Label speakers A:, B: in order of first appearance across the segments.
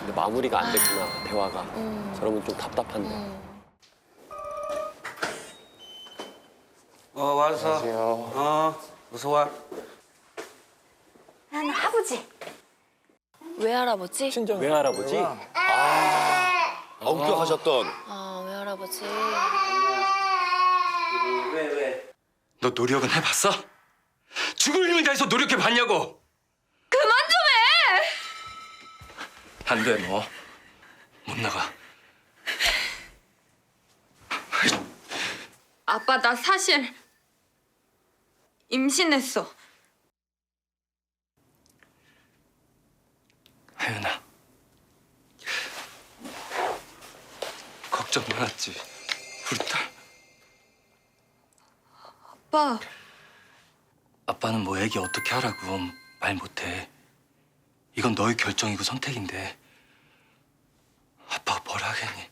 A: 근데 마무리가 안 됐구나, 대화가. 저러면 좀 답답한데.
B: 와서.
C: 안녕하세요.
B: 어서 와.
D: 나는 아버지.
E: 외할아버지?
A: 외할아버지?
C: 엄격하셨던.
E: 아, 외할아버지.
B: 왜?
F: 너 노력은 해봤어? 죽을 힘을 다해서 노력해봤냐고!
E: 그만 좀 해!
F: 안 돼, 너. 못 나가.
E: 아빠, 나 사실 임신했어.
F: 하윤아. 걱정 많았지, 우리 딸.
E: 아빠,
F: 아빠는 뭐 애기 어떻게 하라고 말 못해. 이건 너의 결정이고 선택인데 아빠가 뭘 하겠니?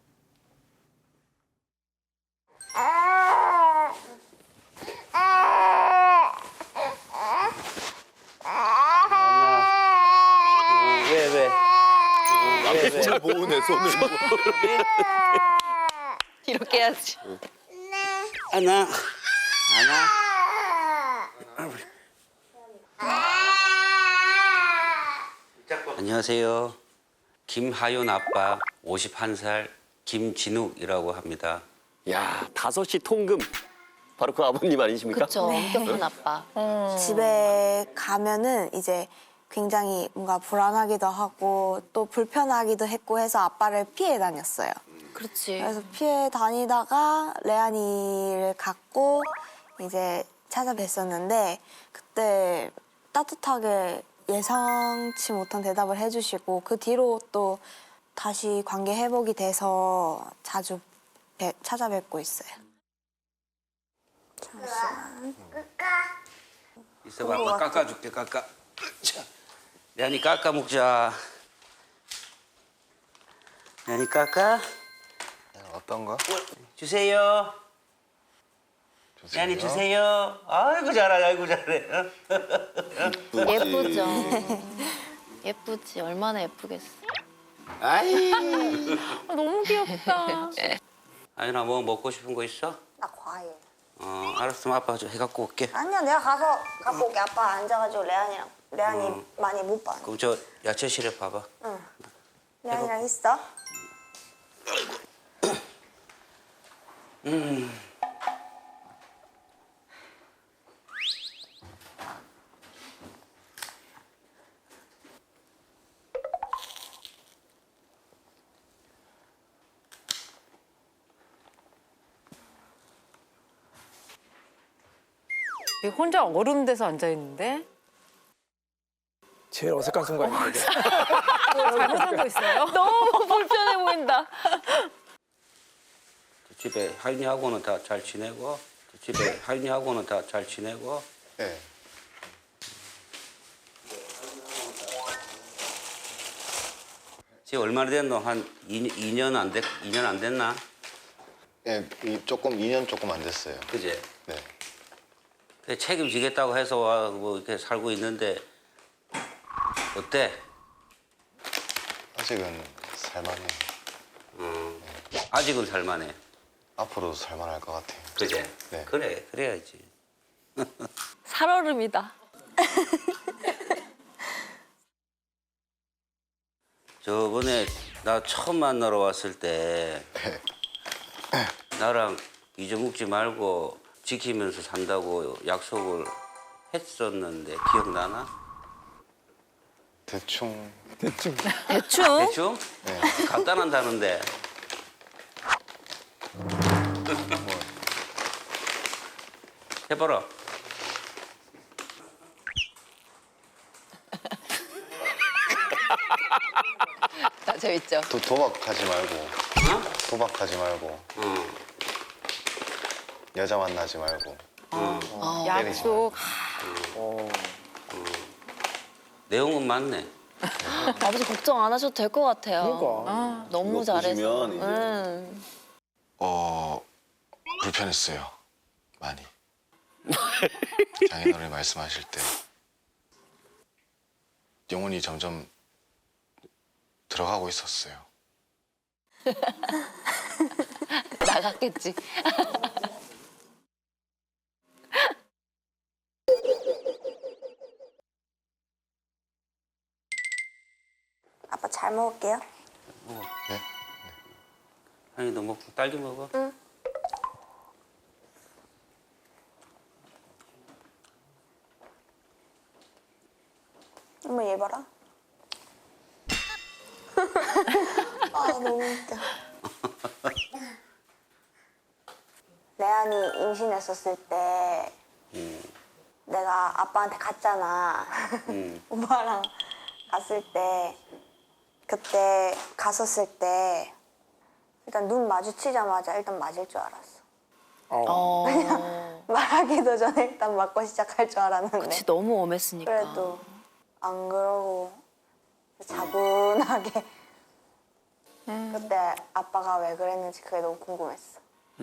B: 왜?
C: 손을 모으네, 손을.
E: 이렇게 해야지.
B: 안아. 안녕하세요. 김하윤 아빠 51살 김진욱이라고 합니다.
A: 야, 5시 통금. 바로 그 아버님 아니십니까?
E: 그쵸, 엄격한 아빠.
D: 집에 가면은 이제 굉장히 뭔가 불안하기도 하고 또 불편하기도 했고 해서 아빠를 피해 다녔어요.
E: 그렇지.
D: 그래서 피해 다니다가 레안이를 갖고 이제 찾아뵀었는데 그때 따뜻하게 예상치 못한 대답을 해주시고 그 뒤로 또 다시 관계 회복이 돼서 자주 찾아뵙고 있어요. 잠시만.
B: 있어봐, 아빠 깎아줄게, 깎아. 자, 레안이 깎아 먹자. 레안이 깎아.
C: 어떤 거?
B: 주세요.
C: 주세요.
B: 레안이 주세요. 아이고 잘해, 아이고 잘해.
E: 예쁘죠. 예쁘지. 얼마나 예쁘겠어.
B: 아이.
E: 너무 귀엽다.
B: 아윤아, 뭐 먹고 싶은 거 있어?
D: 나 과일.
B: 알았으면 아빠가 좀 해갖고 올게.
D: 아니야, 내가 가서 갖고 올게. 아빠 앉아가지고 레안이 많이 못 봐.
B: 그럼 저 야채실에 봐봐.
D: 레안이랑 있어?
G: 혼자 얼음 돼서 앉아 있는데
H: 제일 어색한 순간인데.
G: 잘못한 거 있어요?
E: 너무 불편해 보인다.
B: 집에 하윤이하고는 다 잘 지내고, 집에 하윤이하고는 다 잘 지내고.
C: 네.
B: 지금 얼마나 됐노? 한 2년 안 됐나?
C: 예, 조금 2년 조금 안 됐어요.
B: 그제?
C: 네.
B: 그 책임지겠다고 해서 뭐 이렇게 살고 있는데 어때?
C: 아직은 살만해요.
B: 아직은 살만해.
C: 앞으로도 살만할 것 같아요.
B: 그제?
C: 네.
B: 그래, 그래야지.
E: 살얼음이다.
B: 저번에 나 처음 만나러 왔을 때 나랑 잊어먹지 말고 지키면서 산다고 약속을 했었는데 기억나나?
C: 대충.
E: 대충?
B: 대충?
C: 네.
B: 간단한다는데. 해봐라.
E: 나 재밌죠?
C: 도박하지 말고.
B: 어?
C: 도박하지 말고.
B: 응.
C: 여자 만나지 말고.
G: 약속.
B: 내용은 맞네.
E: 아버지 걱정 안 하셔도 될 것 같아요.
H: 그러니까.
E: 너무 잘해서.
C: 불편했어요. 많이. 장인어른이 말씀하실 때 영혼이 점점 들어가고 있었어요.
E: 나갔겠지.
D: 아빠 잘 먹을게요.
B: 먹어.
C: 네?
B: 아니 너 먹고 딸기 먹어.
D: 응. 엄마 얘 봐라. 아 너무 웃겨. 레안이 임신했었을 때 내가 아빠한테 갔잖아. 오빠랑 갔을 때 그때 갔었을 때 일단 눈 마주치자마자 일단 맞을 줄 알았어. 말하기도 전에 일단 맞고 시작할 줄 알았는데.
E: 그치, 너무 엄했으니까.
D: 그래도 안 그러고 차분하게 그때 아빠가 왜 그랬는지 그게 너무 궁금했어.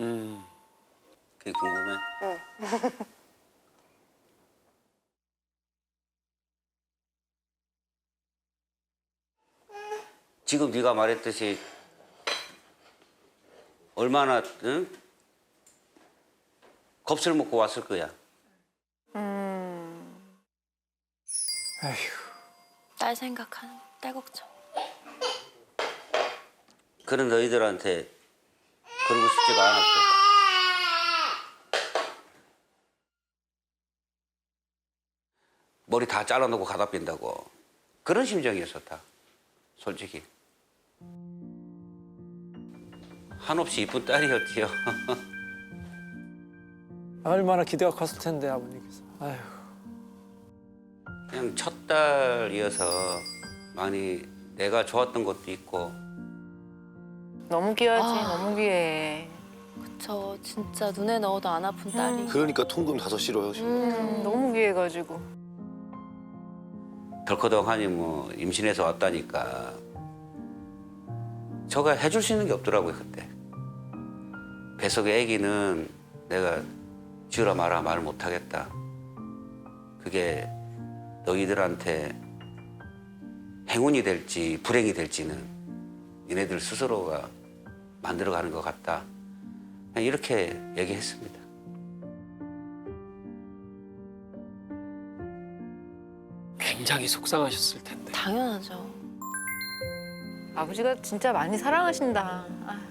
B: 그게 궁금해. 지금 네가 말했듯이 얼마나 응? 겁을 먹고 왔을 거야.
E: 딸 생각하는, 딸 걱정.
B: 그런 너희들한테 그러고 싶지가 않았고. 머리 다 잘라놓고 가다 뺀다고. 그런 심정이었었다. 솔직히. 한없이 이쁜 딸이었지요.
H: 얼마나 기대가 컸을 텐데 아버님께서. 아휴.
B: 그냥 첫 딸이어서 많이 내가 좋았던 것도 있고.
G: 너무 귀하지,
E: 아.
G: 너무 귀해.
E: 그쵸, 진짜 눈에 넣어도 안 아픈 딸이.
C: 그러니까 통금 5시로
G: 너무 귀해가지고.
B: 덜커덕하니 뭐 임신해서 왔다니까. 저가 해줄 수 있는 게 없더라고요 그때. 뱃속의 아기는 내가 지으라 마라 말을 못하겠다. 그게 너희들한테 행운이 될지 불행이 될지는 니네들 스스로가 만들어가는 것 같다. 그냥 이렇게 얘기했습니다.
H: 굉장히 속상하셨을 텐데.
E: 당연하죠.
G: 아버지가 진짜 많이 사랑하신다. 아.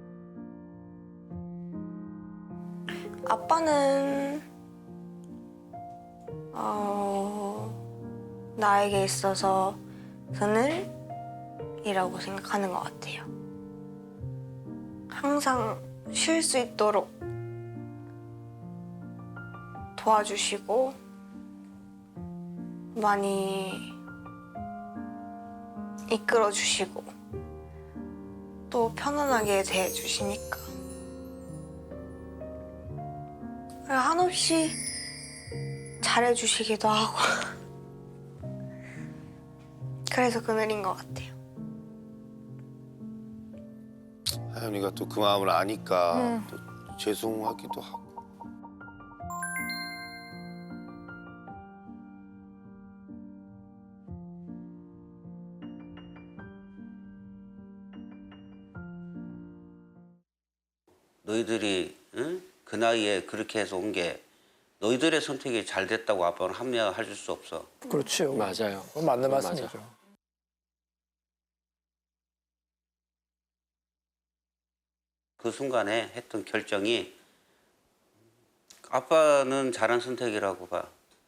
D: 아빠는 나에게 있어서 그늘이라고 생각하는 것 같아요. 항상 쉴 수 있도록 도와주시고 많이 이끌어주시고 또 편안하게 대해주시니까 한없이 잘해주시기도 하고 그래서 그늘인 것 같아요.
C: 하연이가 또 그 마음을 아니까 또 죄송하기도 하고.
B: 너희들이 응? 그 나이에 그렇게 해서 온 게 너희들의 선택이 잘 됐다고 아빠는 합리화할 수 없어.
H: 그렇죠.
A: 맞아요.
H: 그건 맞는
A: 맞아.
H: 말씀이죠.
B: 그 순간에 했던 결정이 아빠는 잘한 선택이라고 봐.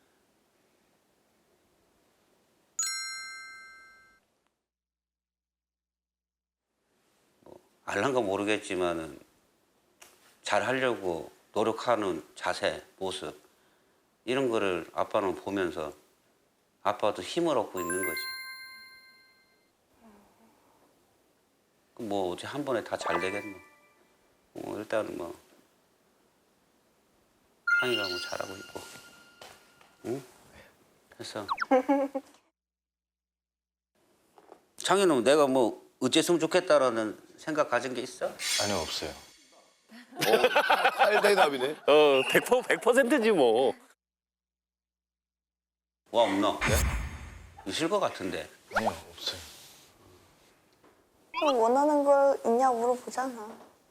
B: 뭐 알란가 모르겠지만은 잘 하려고 노력하는 자세, 모습 이런 거를 아빠는 보면서 아빠도 힘을 얻고 있는 거지. 뭐 어째 한 번에 다 잘 되겠노. 일단은 뭐 상이가 뭐 잘하고 있고, 응? 그래서 창이는 내가 뭐 어쨌으면 좋겠다라는 생각 가진 게 있어?
C: 아니요, 없어요. 칼대답이네.
A: 100%지 뭐.
B: 와 없나? 있을 것 같은데.
C: 아니요, 없어요.
D: 원하는 거 있냐 물어보잖아.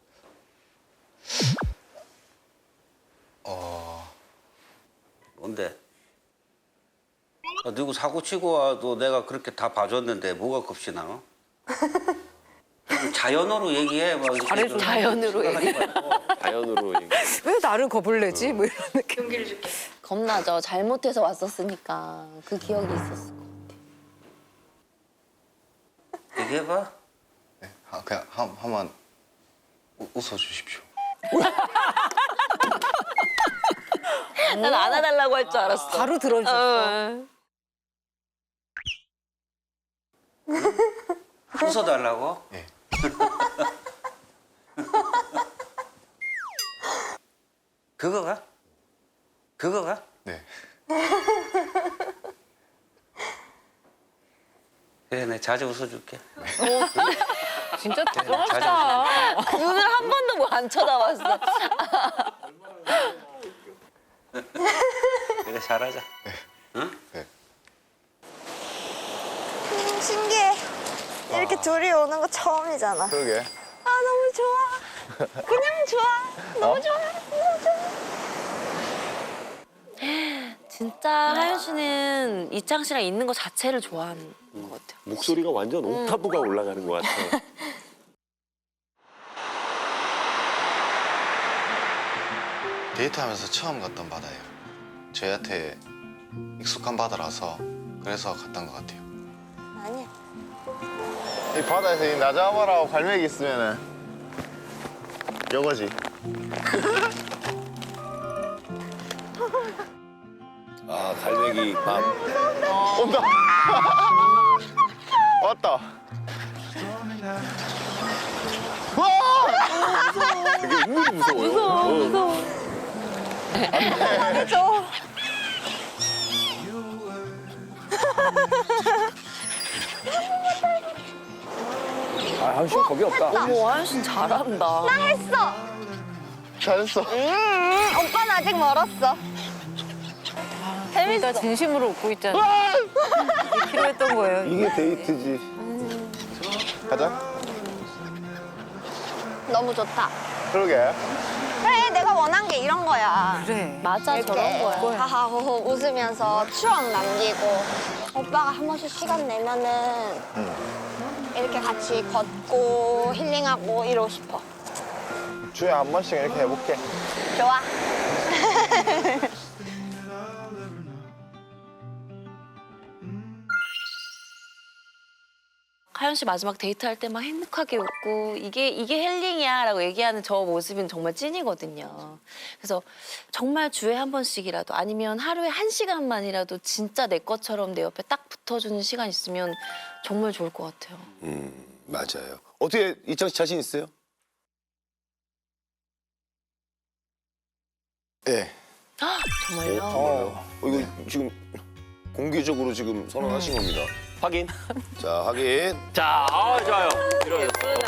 B: 뭔데? 누구 사고 치고 와도 내가 그렇게 다 봐줬는데 뭐가 겁시나? 자연어로 얘기해. 막 이렇게
G: 잘해줘.
B: 좀
E: 자연으로
B: 하지 말고.
A: 자연으로 얘기.
G: 왜 나를 겁을 내지? 뭐 이런 느낌.
E: 겁나죠. 잘못해서 왔었으니까 그 기억이 있었어.
B: 얘기해봐.
I: 네, 그냥 한번 웃어주십시오.
E: 난 안아달라고 할 줄 알았어.
G: 바로 들어줬어.
B: 웃어달라고?
I: 네.
B: 그거가? 그거가?
I: 네.
B: 그래, 내가 자주 웃어줄게.
G: 진짜
B: 자주
G: 대단하다.
E: 눈을 한 번도 뭐 안 쳐다봤어.
B: 그래, 잘하자.
I: 네.
D: 신기해. 이렇게 둘이 오는 거 처음이잖아.
C: 그러게.
D: 아 너무 좋아. 그냥 좋아. 너무 좋아. 너무 좋아.
E: 진짜 하연 씨는 이창 씨랑 있는 거 자체를 좋아하는 것 같아요.
A: 목소리가 완전 옥타브가 올라가는 것 같아요.
I: 데이트하면서 처음 갔던 바다예요. 저희한테 익숙한 바다라서 그래서 갔던 것 같아요.
D: 아니야.
C: 이 바다에서 이 나자마라고 갈매기 있으면은 요거지. 아 갈매기 밤. 온다. 왔다. 와! 되게 은근히 무서워요. 무서워.
H: 아, 하연 씨 겁이 없다.
E: 어머, 하연 씨는 잘한다.
D: 했어.
C: 잘했어.
D: 오빠는 아직 멀었어.
G: 진짜 진심으로 웃고 있잖아. 이게 필요했던 거예요.
C: 이게 데이트지. 가자.
D: 너무 좋다.
C: 그러게.
D: 그래, 내가 원한 게 이런 거야.
G: 그래.
E: 맞아, 저런 거야.
D: 하하호호 웃으면서 추억 남기고 오빠가 한 번씩 시간 내면은 이렇게 같이 걷고 힐링하고 이러고 싶어.
C: 주에 한 번씩 이렇게 해볼게.
D: 좋아.
E: 하연 씨 마지막 데이트할 때 막 행복하게 웃고 이게 힐링이야라고 얘기하는 저 모습은 정말 찐이거든요. 그래서 정말 주에 한 번씩이라도 아니면 하루에 1시간만이라도 진짜 내 것처럼 내 옆에 딱 붙어주는 시간 있으면 정말 좋을 것 같아요.
C: 맞아요. 어떻게 이창 씨 자신 있어요?
I: 네.
E: 정말요?
C: 이거 지금 공개적으로 지금 선언하신 겁니다.
A: 확인.
C: 자, 확인.
A: 자, 좋아요. 이런.